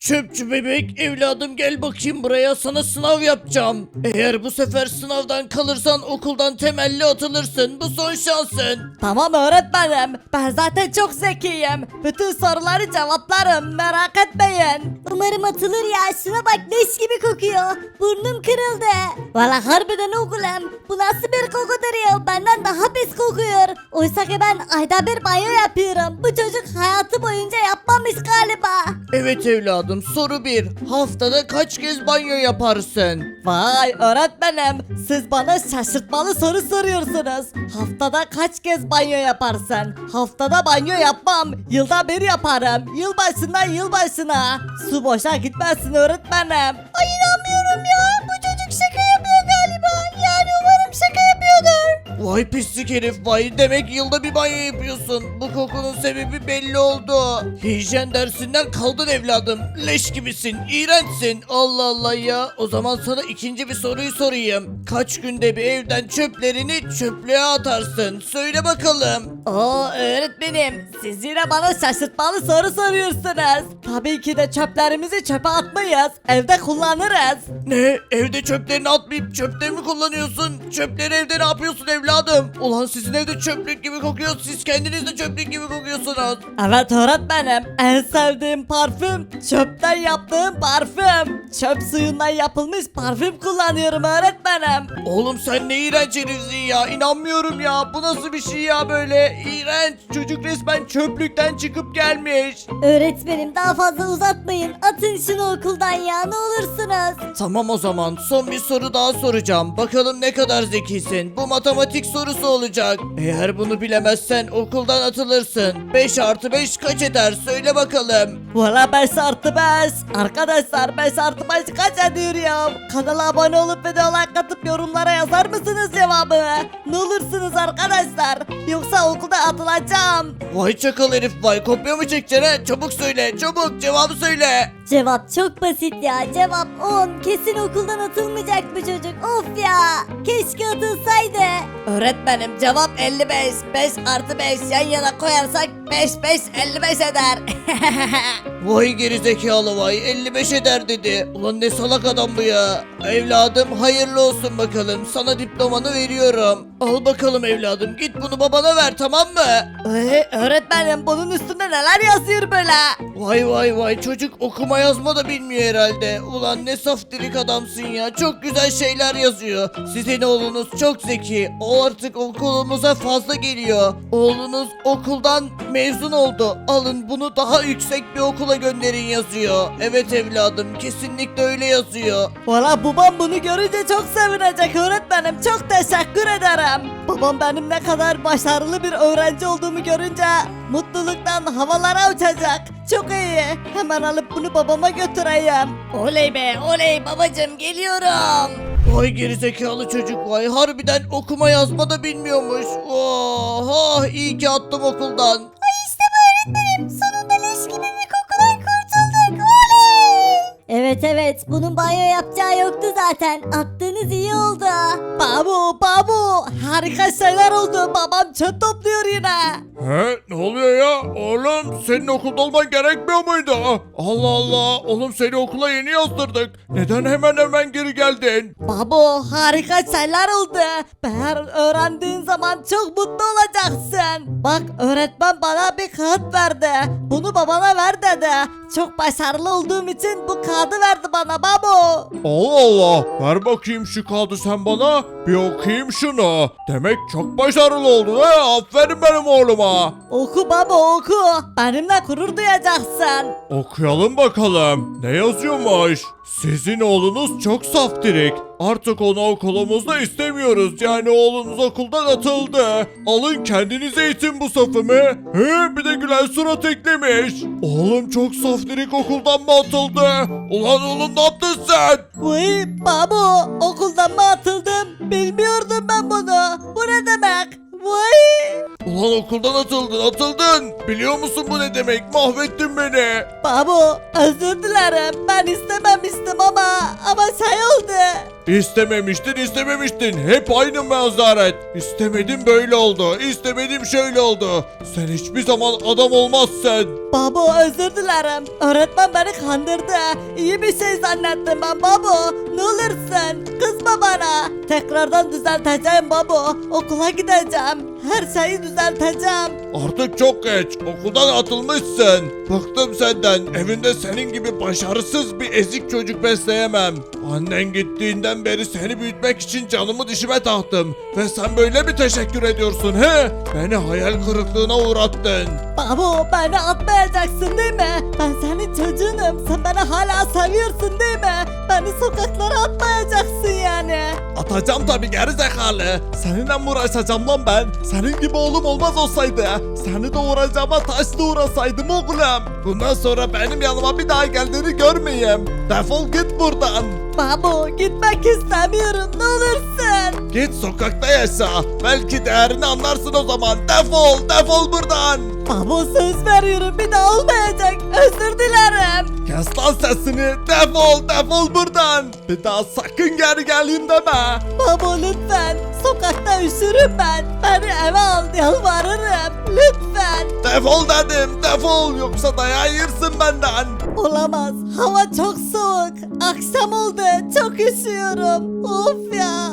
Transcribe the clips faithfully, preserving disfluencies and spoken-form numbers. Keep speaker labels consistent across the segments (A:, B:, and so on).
A: Çöpçü bebek evladım gel bakayım buraya, sana sınav yapacağım. Eğer bu sefer sınavdan kalırsan okuldan temelli atılırsın. Bu son şansın.
B: Tamam öğretmenim. Ben zaten çok zekiyim. Bütün soruları cevaplarım. Merak etmeyin.
C: Umarım atılır ya. Şuna bak, leş gibi kokuyor. Burnum kırıldı. Valla harbiden oğlum. Bu nasıl bir kokudur ya? Benden daha pis kokuyor. Oysa ki ben ayda bir banyo yapıyorum. Bu çocuk hayatı boyunca yapmamış galiba.
A: Evet evladım, soru bir. Haftada kaç kez banyo yaparsın?
B: Vay öğretmenim. Siz bana şaşırtmalı soru soruyorsunuz. Haftada kaç kez banyo yaparsın? Haftada banyo yapmam. Yılda bir yaparım. Yılbaşından yılbaşına. Su boşa gitmesin öğretmenim.
C: Ay inanmıyorum ya. Bu çocuk şaka yapıyor galiba. Yani umarım şaka yapıyordur.
A: Vay pislik herif vay, demek yılda bir banyo yapıyorsun. Bu kokunun sebebi belli oldu. Hijyen dersinden kaldın evladım. Leş gibisin, iğrençsin. Allah Allah ya. O zaman sana ikinci bir soruyu sorayım. Kaç günde bir evden çöplerini çöplüğe atarsın? Söyle bakalım.
B: Oo öğretmenim, siz yine bana şaşırtmalı soru soruyorsunuz. Tabii ki de çöplerimizi çöpe atmayız, evde kullanırız.
A: Ne? Evde çöplerini atmayıp çöpte mi kullanıyorsun? Çöpleri evde ne yapıyorsun evladım? Ulan sizin evde çöplük gibi kokuyor. Siz kendiniz de çöplük gibi kokuyorsunuz.
B: Evet öğretmenim, en sevdiğim parfüm çöpten yaptığım parfüm. Çöp suyundan yapılmış parfüm kullanıyorum öğretmenim.
A: Oğlum sen ne iğrenç herifsin ya. İnanmıyorum ya. Bu nasıl bir şey ya böyle? İğrenç. Çocuk resmen çöplükten çıkıp gelmiş.
C: Öğretmenim daha fazla uzatmayın. Atın şunu okuldan ya, ne olursunuz.
A: Tamam o zaman son bir soru daha soracağım. Bakalım ne kadar zekisin. Bu matematik sorusu olacak. Eğer bunu bilemezsen okuldan atılırsın. beş artı beş kaç eder? Söyle bakalım.
B: Valla beş artı beş. Arkadaşlar beş artı beş kaç ediyor ya? Kanala abone olup video like atıp yorumlara yazar mısınız cevabı? Ne olursunuz arkadaşlar? Yoksa okulda atılacağım.
A: Vay çakal herif vay. Kopya mı çekeceksin he? Çabuk söyle. Çabuk cevabı söyle.
C: Cevap çok basit ya. Cevap on. Kesin okuldan atılmayacak bu çocuk. Of ya. Keşke atılsaydı.
B: Öğretmenim cevap elli beş. beş artı beş yan yana koyarsak beş beş elli beş eder.
A: Vay gerizekalı vay, elli beş eder dedi. Ulan ne salak adam bu ya. Evladım hayırlı olsun bakalım, sana diplomanı veriyorum. Al bakalım evladım, git bunu babana ver, tamam mı?
B: Ee, öğretmenim bunun üstünde neler yazıyor böyle?
A: Vay vay vay, çocuk okuma yazma da bilmiyor herhalde. Ulan ne saftirik adamsın ya, çok güzel şeyler yazıyor. Sizin oğlunuz çok zeki, o artık okulumuza fazla geliyor. Oğlunuz okuldan mezun oldu, alın bunu daha yüksek bir okula gönderin yazıyor. Evet evladım, kesinlikle öyle yazıyor.
B: Valla babam bunu görünce çok sevinecek öğretmenim. Çok teşekkür ederim. Babam benim ne kadar başarılı bir öğrenci olduğumu görünce mutluluktan havalara uçacak. Çok iyi. Hemen alıp bunu babama götüreyim. Oley be oley babacım geliyorum.
A: Vay gerizekalı çocuk vay, harbiden okuma yazma da bilmiyormuş. Oha, iyi ki attım okuldan.
C: Ay işte bu öğretmenim. Sonunda leş gibi bir kokudan kurtulduk. Oley. Evet evet. Bunun banyo yapacağı yoktu zaten. Attığınız iyi oldu.
B: Babu babu harika şeyler oldu. Babam çöp topluyor yine.
D: He, ne oluyor ya? Oğlum senin okulda olman gerekmiyor muydu? Allah Allah, oğlum seni okula yeni yazdırdık. Neden hemen hemen geri geldin?
B: Babu harika şeyler oldu. Eğer öğrendiğin zaman çok mutlu olacaksın. Bak öğretmen bana bir kağıt verdi. Bunu babana ver dedi. Çok başarılı olduğum için bu kağıdı verdi bana babu.
D: Allah Allah, ver bakayım şu kağıdı sen bana. Bir okuyayım şunu. Demek çok başarılı oldun ha. Aferin benim oğluma.
B: Oku baba oku. Benimle gurur duyacaksın.
D: Okuyalım bakalım. Ne yazıyormuş? Sizin oğlunuz çok saftirik. Artık onu okulumuzda istemiyoruz. Yani oğlunuz okuldan atıldı. Alın kendinize eğitin bu safımı. He, bir de gülen surat eklemiş. Oğlum çok saftirik okuldan mı atıldı? Ulan oğlum ne yaptın sen?
B: Vay babu okuldan mı atıldım? Bilmiyordum ben bunu. Bu ne demek? Vay.
A: Ulan okuldan atıldın atıldın. Biliyor musun bu ne demek? Mahvettin beni.
B: Babu özür dilerim. Ben istememiştim ama ama şey oldu.
D: İstememiştin istememiştin. Hep aynı mazaret. İstemedim böyle oldu. İstemedim şöyle oldu. Sen hiçbir zaman adam olmazsın.
B: Babo özür dilerim. Öğretmen beni kandırdı. İyi bir şey zannettim ben babo. Ne olursun kızma bana. Tekrardan düzelteceğim babo. Okula gideceğim. Her şeyi düzelteceğim.
D: Artık çok geç. Okuldan atılmışsın. Bıktım senden. Evinde senin gibi başarısız bir ezik çocuk besleyemem. Annen gittiğinden beri seni büyütmek için canımı dişime taktım. Ve sen böyle mi teşekkür ediyorsun he? Beni hayal kırıklığına uğrattın.
B: Babo beni atmayacaksın değil mi? Ben senin çocuğunum. Sen beni hala seviyorsun değil mi? Beni sokaklara atmayacaksın yani.
D: Atacağım tabii geri zekalı. Seninle mi uğraşacağım lan ben? Senin gibi oğlum olmaz olsaydı. Seni doğuracağıma taşla uğrasaydım oğlum. Bundan sonra benim yanıma bir daha geldiğini görmeyeyim. Defol git buradan.
B: Babo gitmek istemiyorum ne olursun.
D: Git sokakta yaşa. Belki değerini anlarsın o zaman. Defol, defol buradan.
B: Babo söz veriyorum bir daha olmayacak. Özür dilerim.
D: Kes lan sesini. Defol, defol buradan. Bir daha sakın geri geleyim deme.
B: Babo lütfen. Sokakta üşürüm ben. Beni eve al yalvarırım. Lütfen.
D: Defol dedim, defol. Yoksa dayağı yersin benden.
B: Olamaz. Hava çok soğuk. Akşam oldu. Çok üşüyorum. Of ya.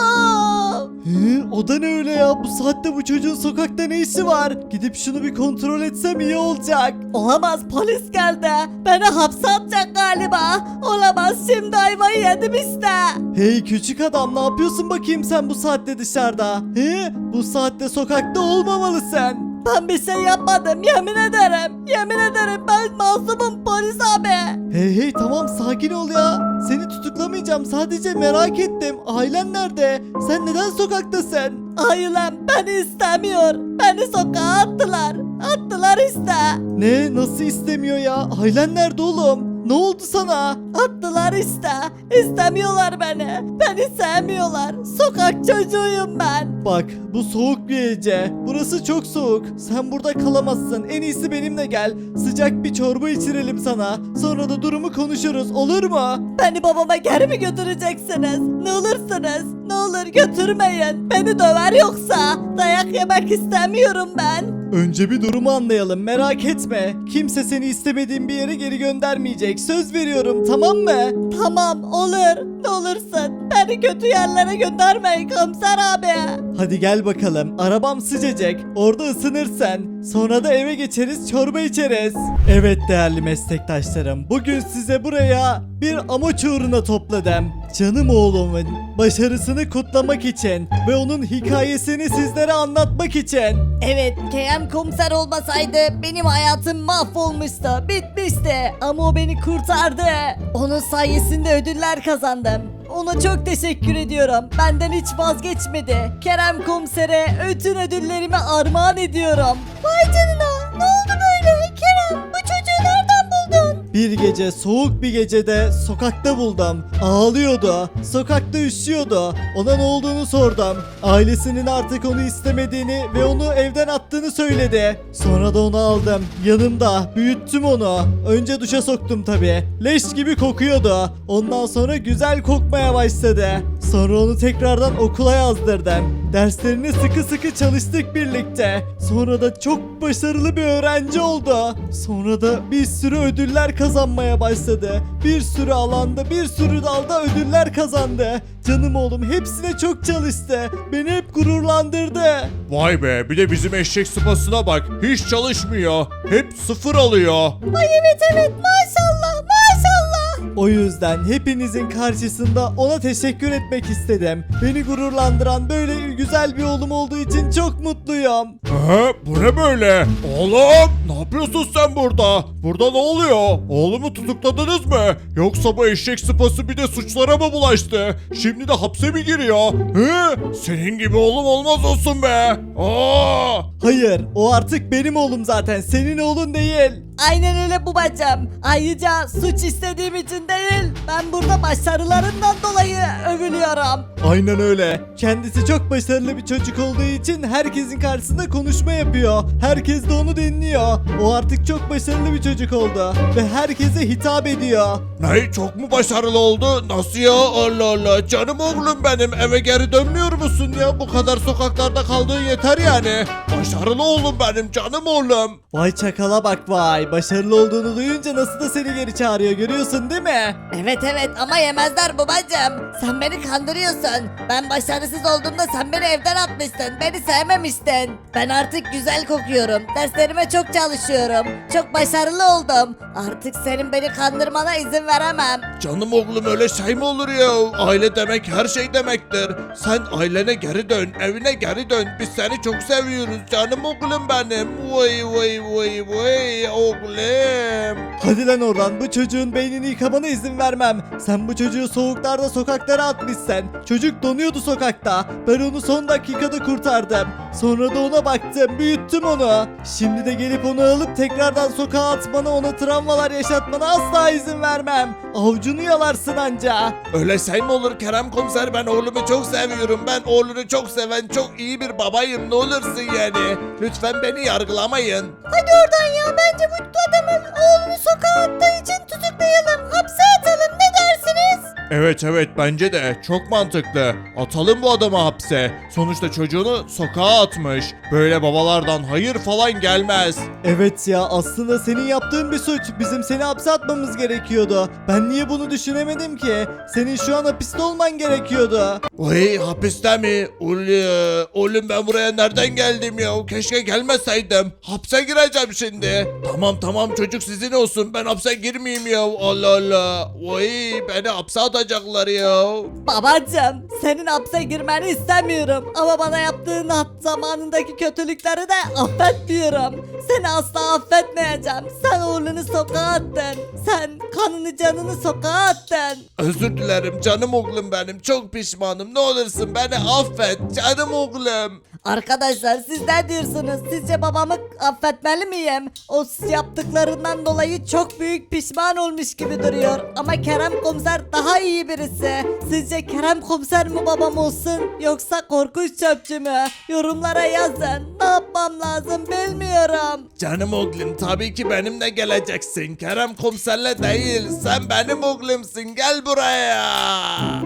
B: Of.
E: Hı, o da ne öyle ya? Bu saatte bu çocuğun sokakta ne işi var? Gidip şunu bir kontrol etsem iyi olacak.
B: Olamaz polis geldi. Beni hapse atacak galiba. Olamaz şimdi ayvayı yedim işte.
E: Hey küçük adam ne yapıyorsun bakayım sen bu saatte dışarıda? He? Bu saatte sokakta olmamalısın.
B: Ben bir şey yapmadım yemin ederim. Yemin ederim ben masumum polis abi.
E: Hey hey tamam sakin ol ya. Seni tutuklamayacağım sadece merak ettim. Ailen nerede? Sen neden sokaktasın?
B: Ailem beni istemiyor. Beni sokağa attılar. Attılar işte.
E: Ne? Nasıl istemiyor ya? Ailen nerede oğlum? Ne oldu sana?
B: Attılar işte. İstemiyorlar beni. Beni sevmiyorlar. Sokak çocuğuyum ben.
E: Bak bu soğuk bir gece. Burası çok soğuk. Sen burada kalamazsın. En iyisi benimle gel. Sıcak bir çorba içirelim sana. Sonra da durumu konuşuruz. Olur mu?
B: Beni babama geri mi götüreceksiniz? Ne olursunuz? Ne olur götürmeyin. Beni döver yoksa. Dayak yemek istemiyorum ben.
E: Önce bir durumu anlayalım. Merak etme. Kimse seni istemediğin bir yere geri göndermeyecek. Söz veriyorum tamam mı?
B: Tamam olur. Ne olursun. Beni kötü yerlere göndermeyin komiser abi.
E: Hadi gel bakalım. Arabam sıcacık. Orada ısınırsan. Sonra da eve geçeriz çorba içeriz. Evet değerli meslektaşlarım. Bugün size buraya bir amaç uğruna topladım. Canım oğlumun başarısını kutlamak için ve onun hikayesini sizlere anlatmak için.
B: Evet, Kerem komiser olmasaydı benim hayatım mahvolmuştu, bitmişti. Ama o beni kurtardı. Onun sayesinde ödüller kazandım. Ona çok teşekkür ediyorum. Benden hiç vazgeçmedi. Kerem komisere bütün ödüllerimi armağan ediyorum. Vay canına, ne oldu böyle? Kerem, bu çocuğu nereden buldun?
E: Bir gece soğuk bir gecede sokakta buldum. Ağlıyordu. Sokakta üşüyordu. Ona ne olduğunu sordum. Ailesinin artık onu istemediğini ve onu evden attığını söyledi. Sonra da onu aldım. Yanımda büyüttüm onu. Önce duşa soktum tabi. Leş gibi kokuyordu. Ondan sonra güzel kokmaya başladı. Sonra onu tekrardan okula yazdırdım. Derslerini sıkı sıkı çalıştık birlikte. Sonra da çok başarılı bir öğrenci oldu. Sonra da bir sürü ödüller kazanmaya başladı. Bir sürü alanda, bir sürü dalda ödüller kazandı. Canım oğlum hepsine çok çalıştı. Beni hep gururlandırdı.
D: Vay be bir de bizim eşek sıpasına bak. Hiç çalışmıyor. Hep sıfır alıyor.
B: Ay evet evet, maşallah maşallah.
E: O yüzden hepinizin karşısında ona teşekkür etmek istedim. Beni gururlandıran böyle güzel bir oğlum olduğu için çok mutluyum.
D: He, bu ne böyle? Oğlum ne yapıyorsun sen burada? Burada ne oluyor? Oğlumu tutukladınız mı? Yoksa bu eşek sıpası bir de suçlara mı bulaştı? Şimdi de hapse mi giriyor? He? Senin gibi oğlum olmaz olsun be. Aa!
E: Hayır, o artık benim oğlum zaten, senin oğlun değil.
B: Aynen öyle babacım. Ayrıca suç istediğim için değil, ben burada başarılarından dolayı övülüyorum.
E: Aynen öyle. Kendisi çok başarılı bir çocuk olduğu için herkesin karşısında konuşma yapıyor. Herkes de onu dinliyor. O artık çok başarılı bir çocuk oldu ve herkese hitap ediyor.
D: Ne, çok mu başarılı oldu? Nasıl ya? Allah Allah. Canım oğlum benim, eve geri dönmüyor musun ya? Bu kadar sokaklarda kaldığın yeter yani. Başarılı oğlum benim, canım oğlum.
E: Vay çakala bak vay. Başarılı olduğunu duyunca nasıl da seni geri çağırıyor, görüyorsun değil mi?
B: Evet evet ama yemezler babacım. Sen beni kandırıyorsun. Ben başarısız olduğumda sen beni evden atmıştın. Beni sevmemiştin. Ben artık güzel kokuyorum. Derslerime çok çalışıyorum. Çok başarılı oldum. Artık senin beni kandırmana izin veremem.
D: Canım oğlum, öyle şey mi olur ya? Aile demek her şey demektir. Sen ailene geri dön, evine geri dön. Biz seni çok seviyoruz canım oğlum benim. Vay vay vay vay oğlum.
E: Hadi lan oradan, bu çocuğun beynini yıkamana izin vermem. Sen bu çocuğu soğuklarda sokaklara atmışsın. Çocuk donuyordu sokakta. Ben onu son dakikada kurtardım. Sonra da ona baktım, büyüttüm onu. Şimdi de gelip onu alıp tekrardan sokağa atmana, ona travmalar yaşatmana asla izin vermem. Avucunu yalarsın anca.
D: Öyle şey mi olur Kerem komiser? Ben oğlumu çok seviyorum. Ben oğlunu çok seven, çok iyi bir babayım. Ne olursun yani. Lütfen beni yargılamayın.
C: Hadi oradan ya, bence bu adamın oğlunu sokağa attığı için tutuklayalım. Hapse atalım, ne dersiniz?
D: Evet evet, bence de çok mantıklı. Atalım bu adamı hapse. Sonuçta çocuğunu sokağa atmış. Böyle babalardan hayır falan gelmez.
E: Evet ya, aslında senin yaptığın bir suç. Bizim seni hapse atmamız gerekiyordu. Ben niye bunu düşünemedim ki? Senin şu an hapiste olman gerekiyordu.
D: Vay, hapiste mi? Ulu, oğlum ben buraya nereden geldim ya? Keşke gelmeseydim. Hapse gireceğim şimdi. Tamam tamam, çocuk sizin olsun. Ben hapse girmeyeyim ya. Allah Allah. Vay, beni hapse atacaklar ya.
B: Babacım senin hapse girmeni istemiyorum. Ama bana yaptığın hap zamanındaki kötülükleri de affetmiyorum. Seni asla affetmeyeceğim. Sen oğlunu sokağa attın. Sen kanını canını sokağa attın.
D: Özür dilerim canım oğlum benim. Çok pişmanım. Ne olursun beni affet canım oğlum.
B: Arkadaşlar siz ne diyorsunuz? Sizce babamı affetmeli miyim? O yaptıklarından dolayı çok büyük pişman olmuş gibi duruyor. Ama Kerem komiser daha iyi birisi. Sizce Kerem komiser mi babam olsun yoksa korkunç çöpçü mü? Yorumlara yazın. Ne yapmam lazım bilmiyorum.
D: Canım oğlum, tabii ki benimle geleceksin. Kerem komiserle değil, sen benim oğlumsun. Gel buraya.